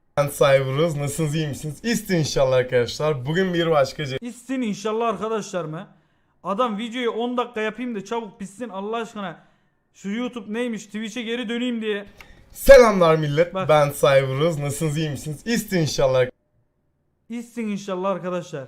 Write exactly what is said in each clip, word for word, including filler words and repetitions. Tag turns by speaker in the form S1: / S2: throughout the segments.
S1: Ben Cyberuz. Nasılsınız, iyi misiniz? İstin inşallah arkadaşlar. Bugün bir başka ce-
S2: İstin inşallah arkadaşlar mı? Adam videoyu on dakika yapayım da çabuk bitsin Allah aşkına. Şu YouTube neymiş, Twitch'e geri döneyim diye.
S1: Selamlar millet.
S2: Bak.
S1: Ben Cyberuz. Nasılsınız, iyi misiniz? İstin inşallah.
S2: İstin inşallah arkadaşlar.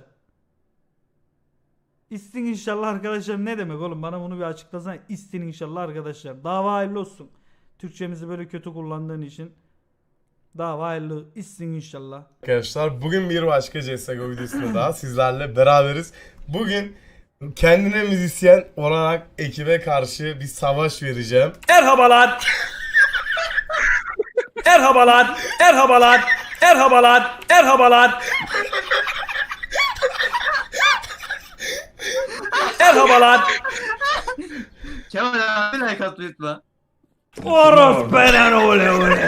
S2: İstin inşallah arkadaşlar ne demek oğlum? Bana bunu bir açıklasana. İstin inşallah arkadaşlar. Dava hayırlı olsun. Türkçemizi böyle kötü kullandığın için. Dava hayırlı istin inşallah.
S1: Arkadaşlar bugün bir başka C S G O videosunda daha sizlerle beraberiz. Bugün kendine müzisyen olarak ekibe karşı bir savaş vereceğim.
S2: Merhabalar. Merhabalar. Merhabalar. Merhabalar. Merhabalar. Merhabalar.
S3: Kemal abi like atmayı unutma.
S2: Oros benen ole ole.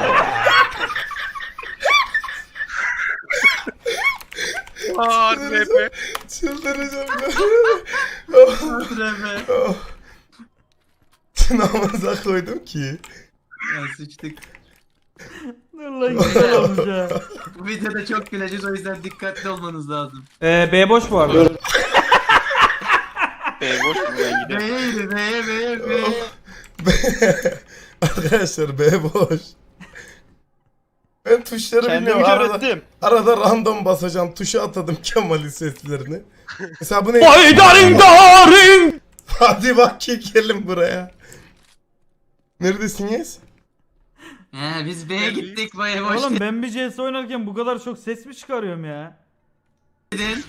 S4: Aa, R P.
S1: Çıldıracağım ben.
S3: Hatırlamaya.
S1: Namıza koydum ki.
S3: Ya sıçtık.
S2: Dur lan güzel olmuş ha.
S3: Bu videoda çok güleceğiz, o yüzden dikkatli olmanız lazım.
S2: Ee, B boş bu arada.
S4: B boş buradan gidelim.
S3: B'ye yürü, B'ye, B'ye, B'ye.
S1: Arkadaşlar B boş. Ben tuşları
S4: Kendimi
S1: bilmiyorum. Arada,
S4: görettim.
S1: arada random basacağım. Tuşa atadım Kemal'in seslerini. Mesela bu ne?
S2: Daring daring.
S1: Hadi bak ki gelin buraya. Neredesiniz?
S3: He biz B'ye gittik, B'ye boş
S2: Oğlum ben bir C S oynarken bu kadar çok ses mi çıkarıyorum ya?
S3: dedin.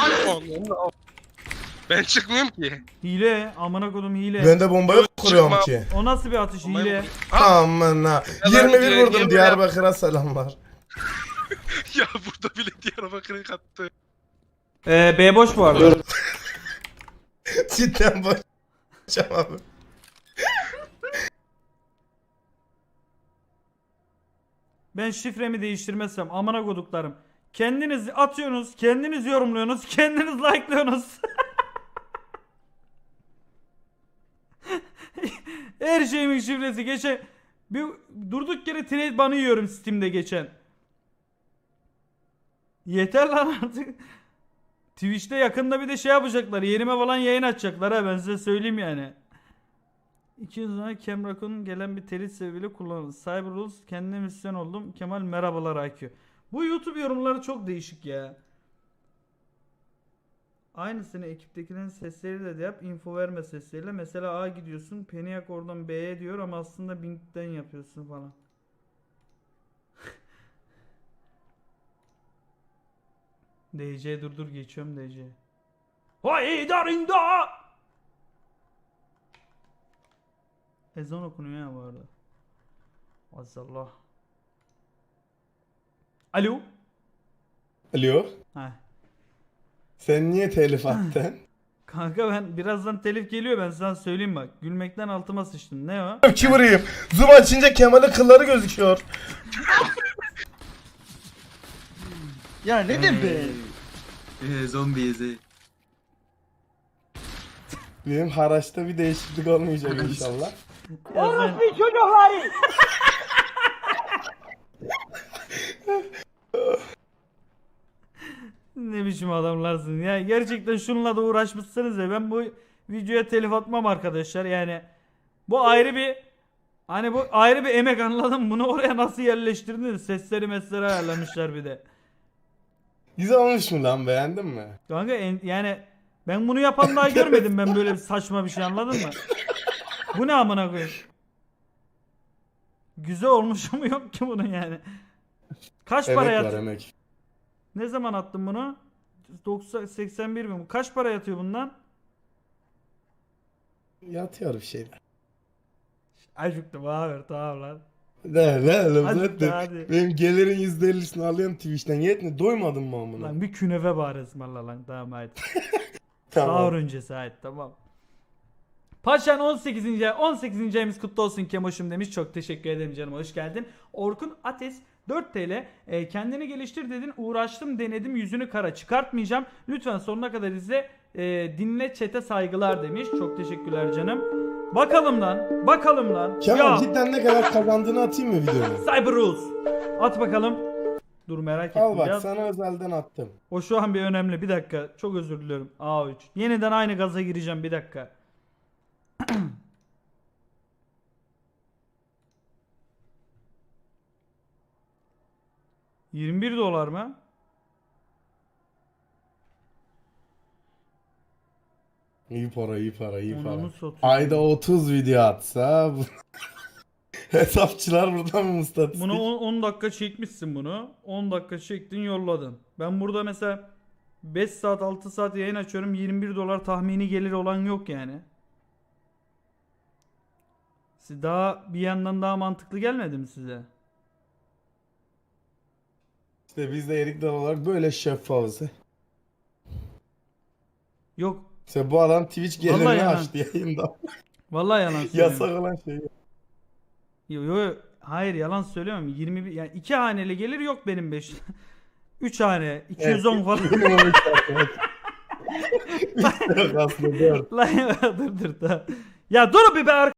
S4: Ben çıkmıyorum ki.
S2: Hile, amına kodum hile.
S1: Ben de bombayı kuruyorum
S4: Çıkma.
S1: ki.
S2: O nasıl bir atış hile?
S1: Aman ha.
S4: ben
S1: yirmi bir
S4: diye-
S1: vurdum
S4: niye
S1: Diyarbakır'a selamlar.
S4: Ya burada bile Diyarbakır'ı kattı.
S2: Ee, B boş bu arada.
S1: Cidden başlayacağım abi.
S2: Ben şifremi değiştirmezsem amına koduklarım. Kendiniz atıyorsunuz, kendiniz yorumluyorsunuz, kendiniz like'lıyorsunuz. Her şeyimin şifresi geçen bir durduk yere trade banı yiyorum Steam'de geçen. Yeter lan artık. Twitch'te yakında bir de şey yapacaklar. Yerime falan yayın açacaklar ha, ben size söyleyeyim yani. İki yıl sonra Kemrak'ın gelen bir telit sebebiyle kullanıldı. Cyberrules kendine misyon oldum. Kemal merhabalar I Q. Bu YouTube yorumları çok değişik ya. Aynısını ekiptekilerin sesleriyle de yap. Info verme sesleriyle. Mesela A gidiyorsun. Peniak oradan B'ye diyor ama aslında Bing'den yapıyorsun falan. D C dur dur geçiyorum D C. Hay darinda. Ezan okunuyor ya bu arada. Maazallah. Alo.
S1: Alo.
S2: Ha.
S1: Sen niye telif attın?
S2: Kanka ben birazdan telif geliyor, ben sana söyleyeyim bak. Gülmekten altıma sıçtım. Ne o?
S1: Ki vurayım. Zoom açınca Kemal'in kılları gözüküyor.
S4: Ya ne de be?
S3: Ee, zombiyiz. he.
S1: Benim haraçta bir değişiklik olmayacak inşallah.
S2: Ya sen- Ne biçim adamlarsın ya, gerçekten şununla da uğraşmışsınız ya, ben bu videoya telif atmam arkadaşlar yani. Bu ayrı bir, hani bu ayrı bir emek, anladın mı? Bunu oraya nasıl yerleştirdiniz? Sesleri mesleri ayarlamışlar bir de.
S1: Güzel olmuş mu lan, beğendin mi?
S2: Kanka en- yani ben bunu yapan daha görmedim, ben böyle bir saçma bir şey, anladın mı? Bu ne amına koyayım? Güzel olmuş mu yok ki bunun yani. Kaç para
S1: Emek var
S2: yat?
S1: emek.
S2: Ne zaman attın bunu? doksan seksen bir mi? Kaç para yatıyor bundan?
S1: Yatıyor bir şeyler.
S2: Acıktım abi, tamam lan.
S1: Ne ne oğlum
S2: Hadi,
S1: zaten
S2: hadi.
S1: benim gelirin yüzde ellisini alıyorum Twitch'ten. Yetme, doymadın mı amına?
S2: Lan bir künefe bari ısmarla lan, tamam hadi.
S1: Tamam.
S2: Sahur öncesi hadi, tamam. Paşan on sekizinci on sekizinci ayımız kutlu olsun Kemoş'um demiş. Çok teşekkür ederim canım, hoş geldin. Orkun Ates dört TL, e, kendini geliştir dedin, uğraştım denedim, yüzünü kara çıkartmayacağım. Lütfen sonuna kadar izle, e, dinle, çete saygılar demiş. Çok teşekkürler canım. Bakalım lan, bakalım lan.
S1: Kemal
S2: Ya
S1: cidden ne kadar kazandığını atayım mı videoya?
S2: Cyber Rules. At bakalım. Dur merak ettim.
S1: Al bak
S2: biraz.
S1: sana özelden attım.
S2: O şu an bir önemli. Bir dakika. Çok özür diliyorum. A üç. Yeniden aynı gaza gireceğim. Bir dakika. yirmi bir dolar mı?
S1: İyi para iyi para iyi para.
S2: Onunu satayım.
S1: Ayda otuz video atsa bu... Hesapçılar buradan mı istatistik?
S2: Bunu on dakika çekmişsin bunu. on dakika çektin yolladın. Ben burada mesela beş saat altı saat yayın açıyorum. yirmi bir dolar tahmini gelir olan yok yani. Siz daha bir yandan daha mantıklı gelmedi mi size?
S1: İşte biz de Erik Dal olarak böyle şeffafız.
S2: Yok.
S1: İşte bu adam Twitch
S2: Vallahi
S1: gelirini
S2: yalan.
S1: açtı yayında.
S2: Vallahi yalan söylüyorum.
S1: Yasak olan şey.
S2: Yo, yo, hayır yalan söylüyorum. yirmi bir yani iki haneli gelir yok benim beş. üç hane iki yüz on falan.
S1: Minimum üç saat. üç saat aslında dört.
S2: Lan dur dur da. Ya dur bir be